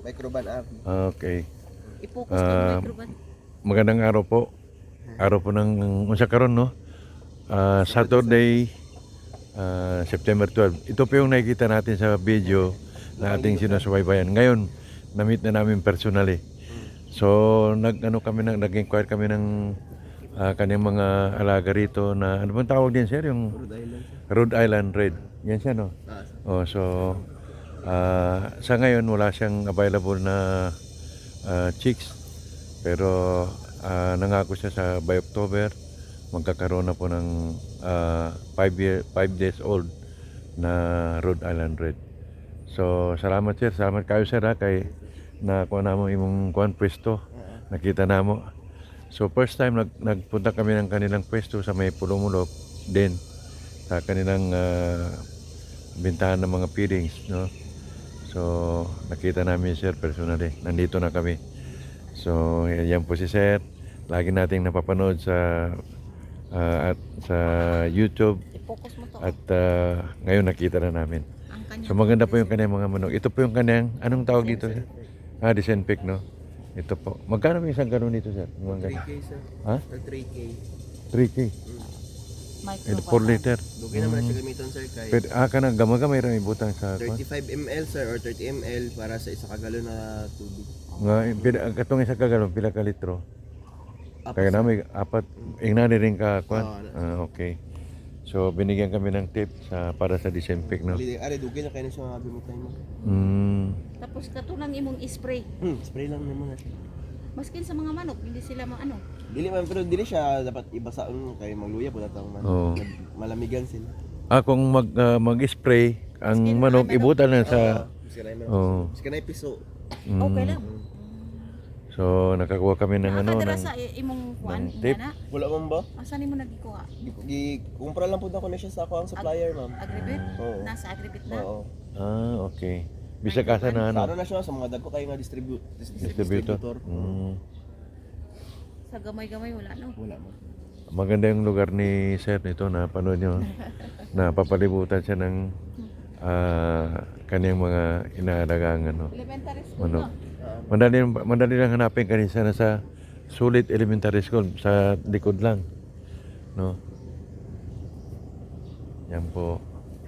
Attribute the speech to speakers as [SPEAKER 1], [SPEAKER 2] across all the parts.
[SPEAKER 1] Microban app.
[SPEAKER 2] Okay.
[SPEAKER 3] I-focus ko yung microban.
[SPEAKER 2] Magandang araw po. Araw po ng unsa karon no? Saturday, September 12. Ito po yung nakikita natin sa video na ating sinusubaybayan. Ngayon, na-meet na namin personally. So, nag-inquire kami ng kanyang mga alaga rito na, ano bang tawag din sir? Yung
[SPEAKER 1] Rhode Island.
[SPEAKER 2] Rhode Island Red. Yan siya no? So, sa ngayon wala siyang available na chicks. Pero nangako siya sa by October magkakaroon na po ng 5 days old na Rhode Island Red. So, salamat sir. Salamat kayo sir kay nakuha na mo imong kuan pwesto. Nakita na mo. So first time nagpunta kami ng kanilang pwesto sa may Pulumulok din sa kanilang bintahan ng mga feedings, no? So nakita namin sir personally. Nandito na kami. So yan po si sir. Lagi nating napapanood sa at sa YouTube
[SPEAKER 3] I-focus mo to.
[SPEAKER 2] at ngayon nakita na namin.
[SPEAKER 3] Ang kanya.
[SPEAKER 2] So maganda po yung kanyang mga manok. Ito po yung kanyang anong tawag dito sir? Disinfect, no? Ito po. Magkano may isang ganun dito, sir? Mga ganun.
[SPEAKER 1] 3K sir.
[SPEAKER 2] Ha?
[SPEAKER 1] 3K.
[SPEAKER 2] 3K. Ito 4 liter.
[SPEAKER 1] Dugay naman na siya gamiton sir kay
[SPEAKER 2] Pero ka na gamagamay rin ibutang sa kwan.
[SPEAKER 1] 35 ml sir or 30 ml para sa isa ka galon na tubig.
[SPEAKER 2] Katong isa ka ganun, pila ka litro.
[SPEAKER 1] Apat,
[SPEAKER 2] Kaya
[SPEAKER 1] sir.
[SPEAKER 2] namin, apat. Ingnan rin ka kwan.
[SPEAKER 1] Oo,
[SPEAKER 2] Okay. So, binigyan kami ng tip para sa disinfect, no?
[SPEAKER 1] Ari dugay na kayo na siya gamiton mo.
[SPEAKER 3] Tapos katulang imong spray.
[SPEAKER 1] Spray lang naman na siya.
[SPEAKER 3] Maskin sa mga manok, hindi sila maano.
[SPEAKER 1] Dili man pero dili siya dapat ibasa kay magluya po natang man.
[SPEAKER 2] Oo.
[SPEAKER 1] Malamigan sila.
[SPEAKER 2] Kung mag-spray, ang manok, ibutan na sa... Oo.
[SPEAKER 1] Kasi na piso.
[SPEAKER 3] Okay lang.
[SPEAKER 2] So, nakakuha kami ng
[SPEAKER 3] Nakakadala
[SPEAKER 2] ng
[SPEAKER 3] sa imong kuan,
[SPEAKER 2] ng tip.
[SPEAKER 3] ingana.
[SPEAKER 1] Wala man ba?
[SPEAKER 3] Asan nimo nagikuha?
[SPEAKER 1] Kumpara lang po ako na siya sa ako ang supplier, ma'am.
[SPEAKER 3] Agribit?
[SPEAKER 1] Oo.
[SPEAKER 3] Nasa agribit na.
[SPEAKER 1] Oo.
[SPEAKER 2] Okay. Bisag asa na
[SPEAKER 1] Sa ano
[SPEAKER 2] ano?
[SPEAKER 1] na siya sa mga dagko kayo nga
[SPEAKER 2] Distributor.
[SPEAKER 3] Sa gamay-gamay wala no.
[SPEAKER 1] Wala mo.
[SPEAKER 2] Maganda yung lugar ni Sir nito na panood nyo. Na papalibutan siya ng kaniyang mga inaalagang ano.
[SPEAKER 3] Elementary school
[SPEAKER 2] Manok.
[SPEAKER 3] no.
[SPEAKER 2] Madali lang hanapin kanisa na sa Sulit Elementary School sa likod lang. No? Yan po.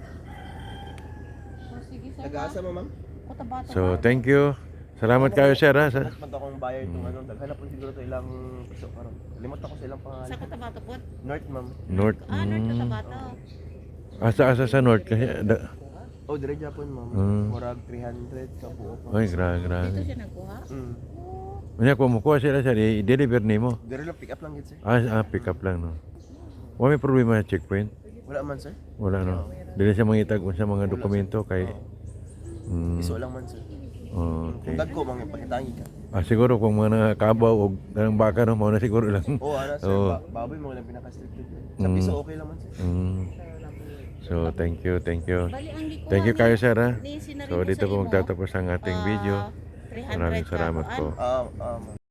[SPEAKER 3] Sige sir.
[SPEAKER 1] Nag-aasa mo, ma'am?
[SPEAKER 3] Cotabato.
[SPEAKER 2] So, thank you. Salamat kayo Sir
[SPEAKER 1] Mas
[SPEAKER 2] sa
[SPEAKER 1] man akong buyer itong ano, daghan po siguro to ilang piso karon. Limot ako sa ilang
[SPEAKER 3] Sa
[SPEAKER 1] pangalan.
[SPEAKER 3] Cotabato po.
[SPEAKER 1] North, ma'am.
[SPEAKER 2] North.
[SPEAKER 3] North Cotabato.
[SPEAKER 2] Asa sa North kasi
[SPEAKER 1] Oh, dire Japon, ma'am. Murag 300 ka buo pa.
[SPEAKER 2] Ay,
[SPEAKER 3] Dito
[SPEAKER 2] grabe.
[SPEAKER 3] siya nagkuha.
[SPEAKER 2] Kanya kung makuha sila sir, i-deliver nimo.
[SPEAKER 1] Dire lang pick up lang gid, sir.
[SPEAKER 2] Pick up lang no. Wala may problema sa checkpoint.
[SPEAKER 1] Wala man, sir.
[SPEAKER 2] Wala no. Dili siya mangitag sa mga dokumento kay
[SPEAKER 1] Piso lang man, sir.
[SPEAKER 2] okay.
[SPEAKER 1] Kung dagko mga pakitangi ka.
[SPEAKER 2] Siguro kung mga kabaw o ng baka no, mao na siguro lang.
[SPEAKER 1] Ana sir,
[SPEAKER 2] Oo.
[SPEAKER 1] baboy mo lang pinaka-restricted. Sa piso okay lang man, sir.
[SPEAKER 2] So, thank you.
[SPEAKER 3] Bali ang gikuha
[SPEAKER 2] Thank you kayo sir
[SPEAKER 3] ni Sinarito
[SPEAKER 2] So, dito
[SPEAKER 3] sa
[SPEAKER 2] po
[SPEAKER 3] imo,
[SPEAKER 2] magtatapos ang ating video.
[SPEAKER 3] 300
[SPEAKER 2] Maraming
[SPEAKER 3] ka
[SPEAKER 2] salamat
[SPEAKER 3] kuan.
[SPEAKER 2] po.
[SPEAKER 1] Ma'am.